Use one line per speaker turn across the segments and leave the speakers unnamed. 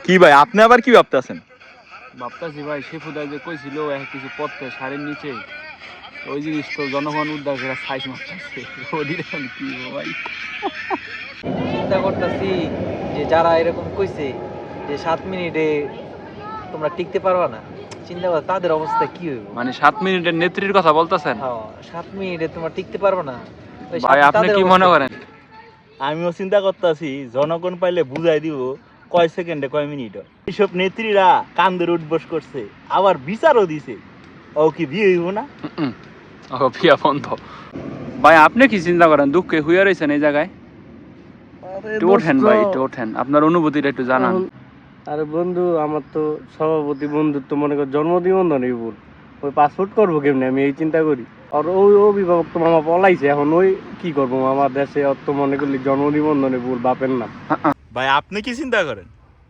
কি ভাই আপনি আবার কি ভাবতেছেন?
ভাবতাছি ভাই শেফুদা যে কইছিল কিছু পড়তে শাড়ির নিচে ওই জিনিস তো জনগণ উদ্ধার করে সাইজ মারতেছে ওদিকে এখন কি হবো ভাই।
চিন্তা করতেছি যে যারা এরকম কইছে যে 7 মিনিটে তোমরা টিকতে পারবা না, চিন্তা কর তাদের অবস্থা কি হইব।
মানে 7 মিনিটের নেত্রীর কথা বলতেছেন?
হ্যাঁ, 7 মিনিটে তোমরা টিকতে পারবা না। ওই
ভাই আপনি
তাদের
কি
অবস্থা
মনে করেন?
আমিও চিন্তা করতেছি জনগণ পাইলে বুঝাই দিব কয় সেকেন্ডে কয় মিনিট। এইসব নেত্রীরা কান্দের উঠবস করছে, আবার বিচারও দিছে। ও কি বিয়ে হইব না?
ও পিয়া বন্ধ। ভাই আপনি কি চিন্তা করেন? দুঃখে হুইয়া রয়েছেন এই জায়গায়? একটু ওঠেন ভাই, একটু ওঠেন, আপনার অনুভূতিটা একটু জানান।
আরে বন্ধু, আমার তো সভাপতি বন্ধুত্ব মনে কর জন্মদিবন্ধন এই ভুল, ওই পাসপোর্ট করবো কেমনি আমি এই চিন্তা করি। আর ওই অভিভাবক তো মামা পলাইছে, এখন ওই কি করবো মামা দেশে অত মনে করলি জন্মদিবন্ধনে ভুল বাপের নাম।
ভাই আপনি কি চিন্তা করেন?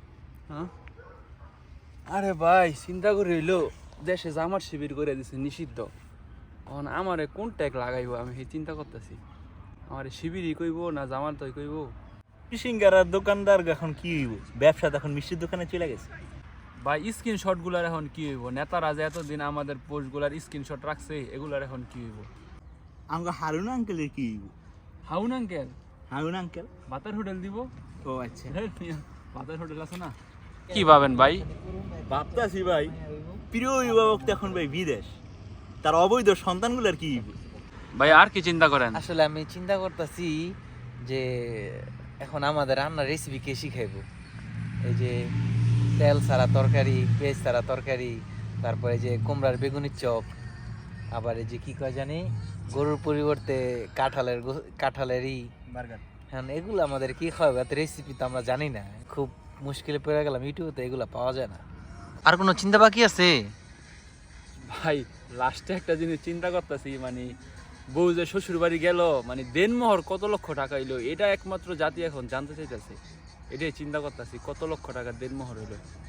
আরে ভাই চিন্তা করে হইলো দেশে জামার শিবির করে দিছে নিষিদ্ধ, এখন আমারে কোন ট্যাগ লাগাইবো আমি সেই চিন্তা করতেছি। আমারে শিবিরই কইব না জামার তৈ কইব?
সিঙ্গারার দোকানদার এখন কি হইব? ব্যবসা তখন মিষ্টির দোকানে চলে গেছে।
ভাই স্ক্রিনশট গুলার এখন কি হইব? নেতারা যে এতদিন আমাদের পোস্ট গুলার স্ক্রিনশট রাখছে এগুলার এখন কি হইব?
আমাকে হারুন আঙ্কেলের কি হইব?
হাউন আঙ্কেল
হারুন আঙ্কেল?
ভাতার হোটেল দিব?
ও আচ্ছা,
ভাতার হোটেল আছে না? কি ভাবেন ভাই?
ভাবতাছি ভাই প্রিয় অভিভাবক তো এখন ভাই বিদেশ, তার অবৈধ সন্তানগুলোর কি হইব?
ভাই আর কি চিন্তা করেন?
আসলে আমি চিন্তা করতেছি যে এখন আমাদের রান্নার রেসিপি কে শিখাইবো। এই যে তেল ছাড়া তরকারি, পেঁয়াজ ছাড়া তরকারি, তারপরে যে কুমড়ার বেগুনির চপ, আবার এই যে কি কয় জানি গরুর পরিবর্তে কাঁঠালেরই
বার্গার।
হ্যাঁ, এগুলো আমাদের কি খাওয়াবে? এত রেসিপি তো আমরা জানি না, খুব মুশকিলে পড়ে গেলাম, ইউটিউবে তো এগুলো পাওয়া যায় না। আর কোনো চিন্তা বাকি আছে?
ভাই লাস্টে একটা জিনিস চিন্তা করতেছি, মানে বউ যে শ্বশুর বাড়ি গেল, মানে দেনমোহর কত লক্ষ টাকা হইলো, এটা একমাত্র জাতি এখন জানতে চাইতেছে। এটাই চিন্তা করতেছি কত লক্ষ টাকার দেনমোহর হইলো।